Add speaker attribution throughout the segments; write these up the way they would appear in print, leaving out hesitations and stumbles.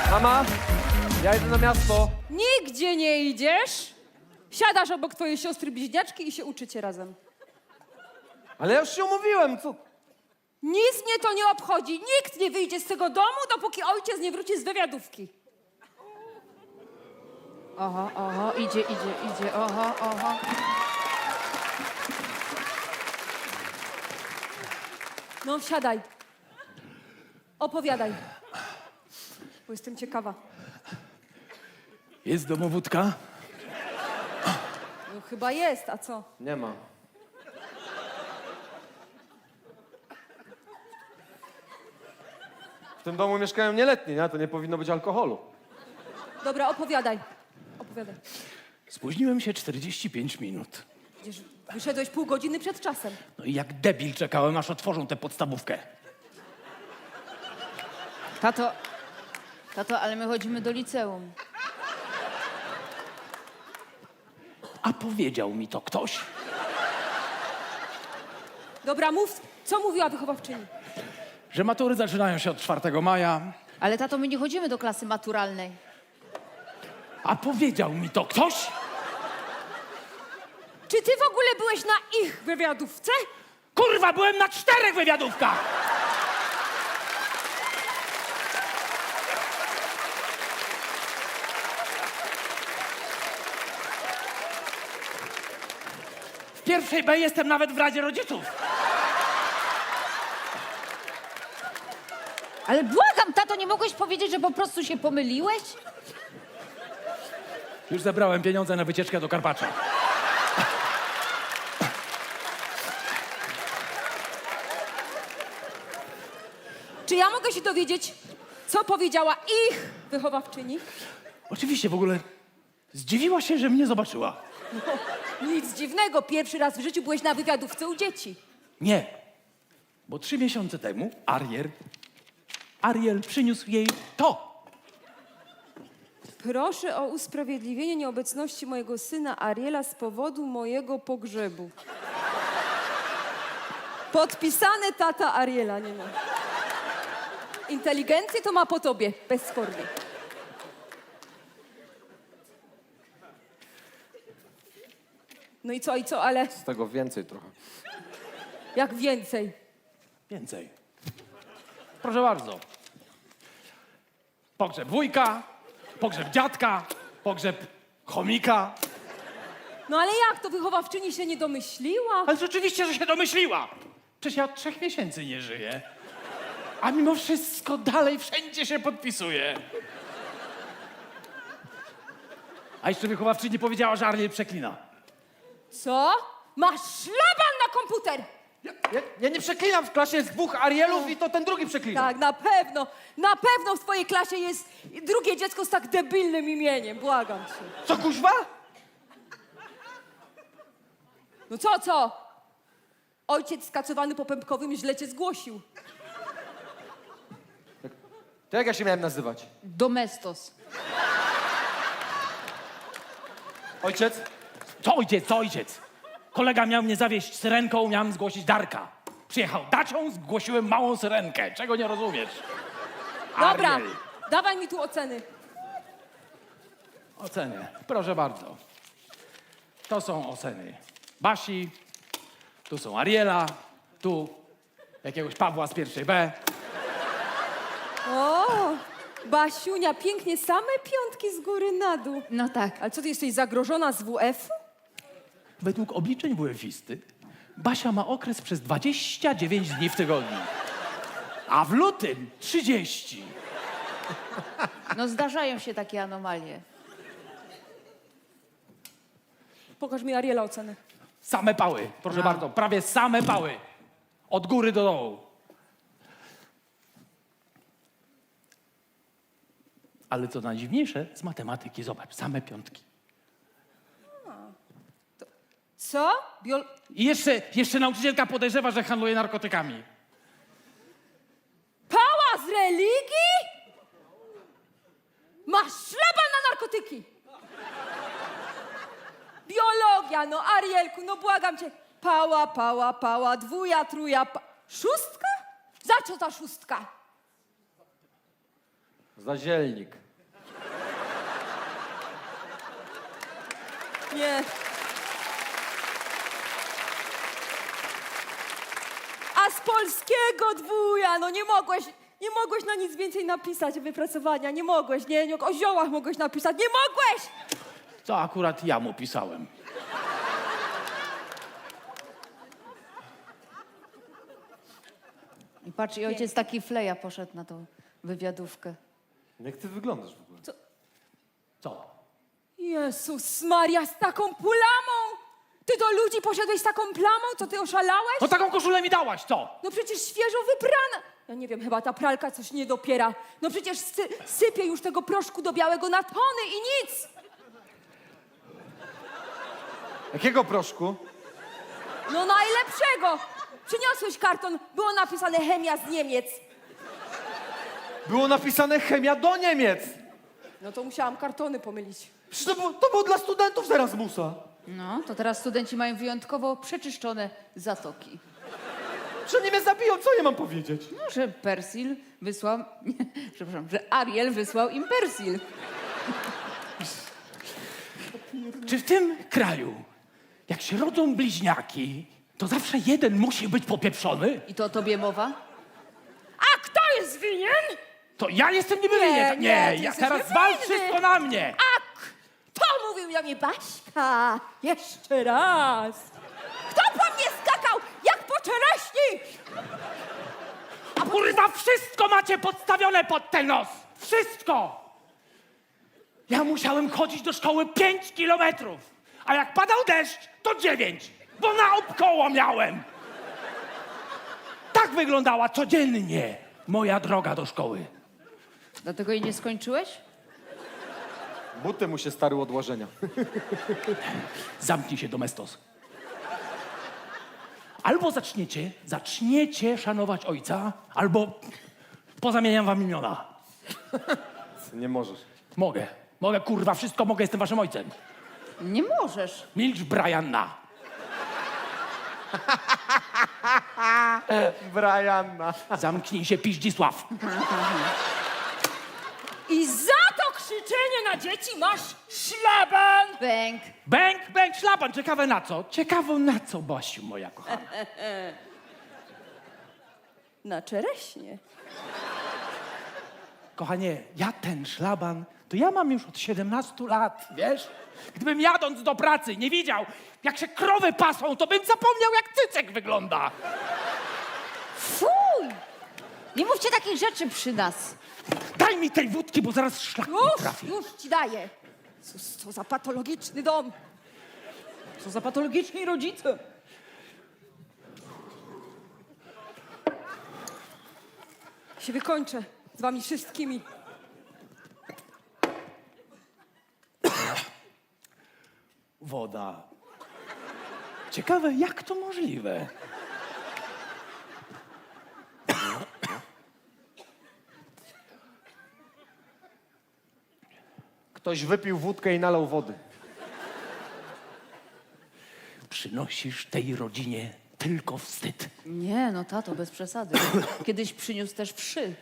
Speaker 1: Mama, ja idę na miasto.
Speaker 2: Nigdzie nie idziesz. Siadasz obok twojej siostry bliźniaczki i się uczycie razem.
Speaker 1: Ale ja już się umówiłem, co?
Speaker 2: Nic mnie to nie obchodzi. Nikt nie wyjdzie z tego domu, dopóki ojciec nie wróci z wywiadówki. Oho, idzie, oho. No, wsiadaj. Opowiadaj. Bo jestem ciekawa.
Speaker 3: Jest domowódka?
Speaker 2: No, chyba jest, a co?
Speaker 1: Nie ma. W tym domu mieszkają nieletni, nie? To nie powinno być alkoholu.
Speaker 2: Dobra, opowiadaj. Opowiadaj.
Speaker 3: Spóźniłem się 45 minut.
Speaker 2: Przecież wyszedłeś pół godziny przed czasem.
Speaker 3: No i jak debil czekałem, aż otworzą tę podstawówkę.
Speaker 4: Tato, ale my chodzimy do liceum.
Speaker 3: A powiedział mi to ktoś?
Speaker 2: Dobra, mów, co mówiła wychowawczyni?
Speaker 3: Że matury zaczynają się od 4 maja.
Speaker 4: Ale tato, my nie chodzimy do klasy maturalnej.
Speaker 3: A powiedział mi to ktoś?
Speaker 2: Czy ty w ogóle byłeś na ich wywiadówce?
Speaker 3: Kurwa, byłem na 4 wywiadówkach! W pierwszej B jestem nawet w Radzie Rodziców.
Speaker 4: Ale błagam, tato, nie mogłeś powiedzieć, że po prostu się pomyliłeś?
Speaker 3: Już zebrałem pieniądze na wycieczkę do Karpacza.
Speaker 2: Czy ja mogę się dowiedzieć, co powiedziała ich wychowawczyni?
Speaker 3: Oczywiście, w ogóle zdziwiła się, że mnie zobaczyła.
Speaker 2: Nic dziwnego, pierwszy raz w życiu byłeś na wywiadówce u dzieci.
Speaker 3: Nie, bo 3 miesiące temu Ariel przyniósł jej to.
Speaker 2: Proszę o usprawiedliwienie nieobecności mojego syna Ariela z powodu mojego pogrzebu. Podpisane tata Ariela, nie ma. Inteligencję to ma po tobie, bezspornie. No i co, ale
Speaker 1: Z tego więcej trochę.
Speaker 2: jak więcej?
Speaker 3: Więcej. Proszę bardzo. Pogrzeb wujka, pogrzeb dziadka, pogrzeb chomika.
Speaker 2: No ale jak to wychowawczyni się nie domyśliła?
Speaker 3: Ale rzeczywiście, że się domyśliła. Przecież ja od 3 miesięcy nie żyję. A mimo wszystko dalej wszędzie się podpisuje. A jeszcze wychowawczyni powiedziała, że Ariel przeklina.
Speaker 2: Co? Masz szlaban na komputer!
Speaker 1: Ja nie przeklinam, w klasie jest 2 Arielów i to ten drugi przeklina.
Speaker 2: Tak, na pewno w twojej klasie jest drugie dziecko z tak debilnym imieniem, błagam cię.
Speaker 1: Co, kuźwa?
Speaker 2: No co? Ojciec skacowany po pępkowym źle cię zgłosił.
Speaker 1: To jak ja się miałem nazywać?
Speaker 4: Domestos.
Speaker 1: Ojciec?
Speaker 3: Co ojciec? Kolega miał mnie zawieźć syrenką, miałem zgłosić Darka. Przyjechał dacią, zgłosiłem małą syrenkę. Czego nie rozumiesz?
Speaker 2: Dobra,
Speaker 3: Ariel.
Speaker 2: dawaj mi tu oceny.
Speaker 3: Oceny. Proszę bardzo. To są oceny Basi, tu są Ariela, tu jakiegoś Pawła z 1 B.
Speaker 2: O, Basiunia, pięknie, same piątki z góry na dół.
Speaker 4: No tak.
Speaker 2: Ale co, ty jesteś zagrożona z WF-u?
Speaker 3: Według obliczeń WF-isty Basia ma okres przez 29 dni w tygodniu. A w lutym 30.
Speaker 4: No zdarzają się takie anomalie.
Speaker 2: Pokaż mi Ariela ocenę.
Speaker 3: Same pały, proszę bardzo, prawie same pały. Od góry do dołu. Ale co najdziwniejsze, z matematyki, zobacz, same piątki.
Speaker 2: Co?
Speaker 3: I jeszcze nauczycielka podejrzewa, że handluje narkotykami.
Speaker 2: Pała z religii? Masz szlaban na narkotyki! Biologia, no Arielku, no błagam cię. Pała, dwuja, truja, szóstka? Za co ta szóstka?
Speaker 1: Zazielnik.
Speaker 2: Nie. A z polskiego dwuja, no nie mogłeś na nic więcej napisać wypracowania, nie mogłeś, nie, o ziołach mogłeś napisać, nie mogłeś!
Speaker 3: To akurat ja mu pisałem.
Speaker 4: I patrz, i ojciec taki fleja poszedł na tą wywiadówkę.
Speaker 1: Jak ty wyglądasz w ogóle?
Speaker 3: Co?
Speaker 2: Jezus Maria, z taką plamą! Ty do ludzi poszedłeś z taką plamą? Co, ty oszalałeś?
Speaker 3: No taką koszulę mi dałaś, co?
Speaker 2: No przecież świeżo wyprana. Ja nie wiem, chyba ta pralka coś nie dopiera. No przecież sypie już tego proszku do białego na tony i nic!
Speaker 1: Jakiego proszku?
Speaker 2: No najlepszego! Przyniosłeś karton, było napisane chemia z Niemiec.
Speaker 1: Było napisane chemia do Niemiec.
Speaker 2: No to musiałam kartony pomylić.
Speaker 1: Przecież to było dla studentów z Erasmusa.
Speaker 4: No, to teraz studenci mają wyjątkowo przeczyszczone zatoki.
Speaker 1: Że nie mnie zabiją, co ja mam powiedzieć?
Speaker 4: No, że Persil wysłał... Nie, przepraszam, że Ariel wysłał im Persil.
Speaker 3: Czy w tym kraju, jak się rodzą bliźniaki, to zawsze jeden musi być popieprzony?
Speaker 4: I to o tobie mowa?
Speaker 2: A kto jest winien?
Speaker 3: To ja jestem niby winien.
Speaker 2: nie, ty
Speaker 3: Ja
Speaker 2: jesteś
Speaker 3: teraz wal
Speaker 2: niewinny.
Speaker 3: wszystko na mnie.
Speaker 2: A kto mówił do mnie Baśka? Jeszcze raz. Kto po mnie skakał jak po czereśni?
Speaker 3: A kurwa, wszystko macie podstawione pod ten nos. Wszystko. Ja musiałem chodzić do szkoły 5 kilometrów. A jak padał deszcz, to 9. Bo naokoło miałem. Tak wyglądała codziennie moja droga do szkoły.
Speaker 4: Dlatego jej nie skończyłeś?
Speaker 1: Buty mu się stary odłożenia.
Speaker 3: Zamknij się, domestos. Albo zaczniecie szanować ojca, albo pozamieniam wam imiona.
Speaker 1: Nie możesz.
Speaker 3: Mogę, kurwa, wszystko mogę, jestem waszym ojcem.
Speaker 4: Nie możesz.
Speaker 3: Milcz, Brianna.
Speaker 1: Brianna.
Speaker 3: Zamknij się, Piździsław.
Speaker 2: I za to krzyczenie na dzieci masz szlaban!
Speaker 4: Bęk.
Speaker 3: Bęk, szlaban. Ciekawe na co? Ciekawe na co, Basiu, moja kochana.
Speaker 2: Na czereśnie.
Speaker 3: Kochanie, ja ten szlaban, to ja mam już od 17 lat, wiesz? Gdybym jadąc do pracy nie widział, jak się krowy pasą, to bym zapomniał, jak cycek wygląda.
Speaker 4: Fuj! Nie mówcie takich rzeczy przy nas.
Speaker 3: Daj mi tej wódki, bo zaraz szlak mi trafi.
Speaker 2: Już ci daję. Co za patologiczny dom. Co za patologiczni rodzice. Się wykończę z wami wszystkimi.
Speaker 3: Woda. Ciekawe, jak to możliwe?
Speaker 1: Ktoś wypił wódkę i nalał wody.
Speaker 3: Przynosisz tej rodzinie tylko wstyd.
Speaker 4: Nie, no tato, bez przesady. Kiedyś przyniósł też wszy.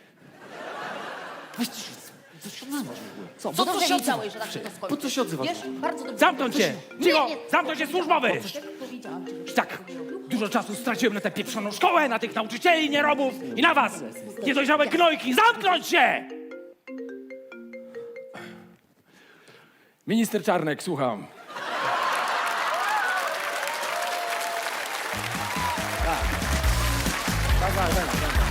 Speaker 4: Co, bo dobrze wiedziałeś, że tak się to skończy.
Speaker 1: Po co się odzywasz?
Speaker 4: Wiesz, bardzo dobrze.
Speaker 3: Zamknąć się! Cicho! Zamknąć się, służbowy!
Speaker 4: Powiedziałam ci, że...
Speaker 3: Tak, dużo czasu straciłem na tę pieprzoną szkołę, na tych nauczycieli, nierobów i na was! Niedojrzałe gnojki! Zamknąć się! Minister Czarnek, słucham. Tak.